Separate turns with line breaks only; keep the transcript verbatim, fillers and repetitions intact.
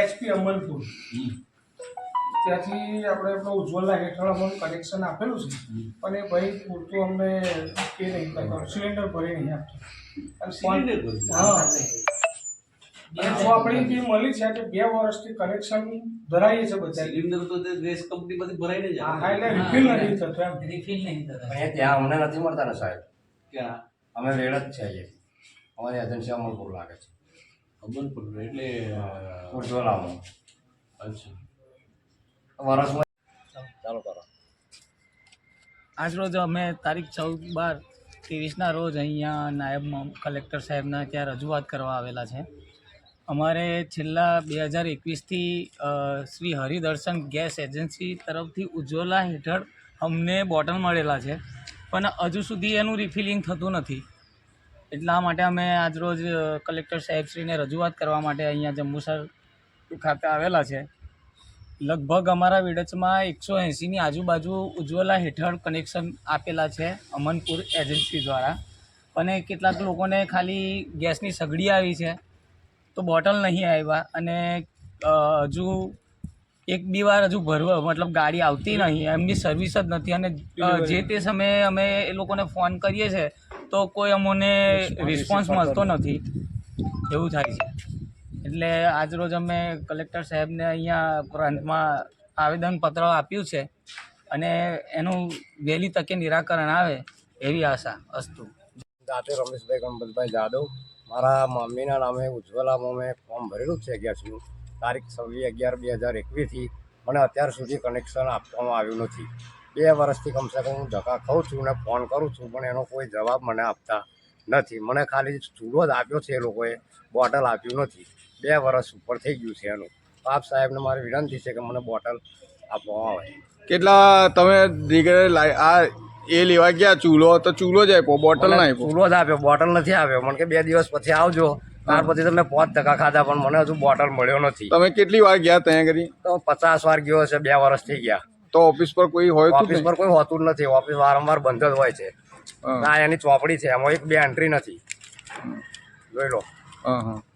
HP અમલપુર ત્યાંથી આપણે આપણો ઉજ્જવલા હેઠળ અમને કનેક્શન આપેલું છે, પણ એ ભાઈ પૂરતું અમને એ નહીં કરતો, સિલિન્ડર ભરી નહીં આપતો. હા, જો આપણી જે મળી છે કે બે વર્ષથી કનેક્શન ધરાઈએ છે બધા
સિલિન્ડર તો તે ગેસ કંપનીમાંથી ભરાઈને જ
હા, એટલે રિફિલ નથી થતો એમ.
રિફિલ નહીં થતા.
અહીંયા ત્યાં અમને નથી મળતા ને સાહેબ,
ક્યાં
અમે રેડ જ છે અહીંયા, અમારી એજન્સી અમલપુર લાગે છે,
અમલપુર એટલે
ઉજ્જવલામાં.
અચ્છા,
વર્ષમાં ચાલો કરો.
આજ રોજ અમે તારીખ ચૌદ બાર ત્રેવીસના રોજ અહીંયા નાયબ કલેક્ટર સાહેબના ત્યાં રજૂઆત કરવા આવેલા છે. અમારે છેલ્લા બે હજાર એકવીસથી શ્રી હરિદર્શન ગેસ એજન્સી તરફથી ઉજ્જવલા હેઠળ અમને બોટલ મળેલા છે, પણ હજુ સુધી એનું રિફિલિંગ થતું નથી. એટલા માટે અમે આજરોજ કલેક્ટર સાહેબશ્રીને રજૂઆત કરવા માટે અહીંયા જંબુસર ખાતે આવેલા છે. લગભગ અમારા વિડચમાં એકસો એંસીની આજુબાજુ ઉજ્જવલા હેઠળ કનેક્શન આપેલા છે અમનપુર એજન્સી દ્વારા, અને કેટલાક લોકોને ખાલી ગેસની સગડી આવી છે તો બોટલ નહીં આવ્યા, અને હજુ એક બે વાર હજુ ભરવા મતલબ ગાડી આવતી નહીં, એમની સર્વિસ જ નથી. અને જે તે સમયે અમે એ લોકોને ફોન કરીએ છીએ તો કોઈ અમને રિસ્પોન્સ મળતો નથી, એવું થાય છે. એટલે આજરોજ અમે કલેક્ટર સાહેબને અહીંયા પ્રાંતમાં આવેદનપત્ર આપ્યું છે, અને એનું વહેલી તકે નિરાકરણ આવે એવી આશા અસ્તુ.
જાતે રમેશભાઈ ગણપતભાઈ જાદવ, મારા મમ્મીના નામે ઉજ્જવલામાં મેં ફોર્મ ભરેલું છે ગેસનું, તારીખ છવ્વીસ અગિયાર બે હજાર એકવીસથી. મને અત્યાર સુધી કનેક્શન આપવામાં આવ્યું નથી. બે વર્ષથી કમસે કમ હું ધક્કા ખાઉં છું ને ફોન કરું છું, પણ એનો કોઈ જવાબ મને આપતા નથી. મને ખાલી ચૂલો જ આપ્યો છે એ લોકોએ, બોટલ આપ્યું નથી. બે વર્ષ ઉપર થઈ ગયું છે એનું. આપ સાહેબને મારી વિનંતી છે કે મને બોટલ આપવામાં આવે.
કેટલા તમે આ એ લેવા ગયા ચૂલો તો ચૂલો જ આપ્યો, બોટલ ના આપ્યો?
ચૂલો જ આપ્યો, બોટલ નથી આપ્યો. મને કે બે દિવસ પછી આવજો. ત્યાર પછી તમે પાંચ ટકા ખાધા, પણ મને હજુ બોટલ મળ્યો નથી.
તમે કેટલી વાર ગયા ત્યાં કરી?
તો પચાસ વાર ગયો છે, બે વર્ષ થઈ ગયા.
તો ઓફિસ પર કોઈ હોય?
ઓફિસ પર કોઈ હોતું જ નથી, ઓફિસ વારંવાર બંધ જ હોય છે. ના, એની ચોપડી છે, એમાં એક બે એન્ટ્રી નથી, જોઈ લો.
હા હા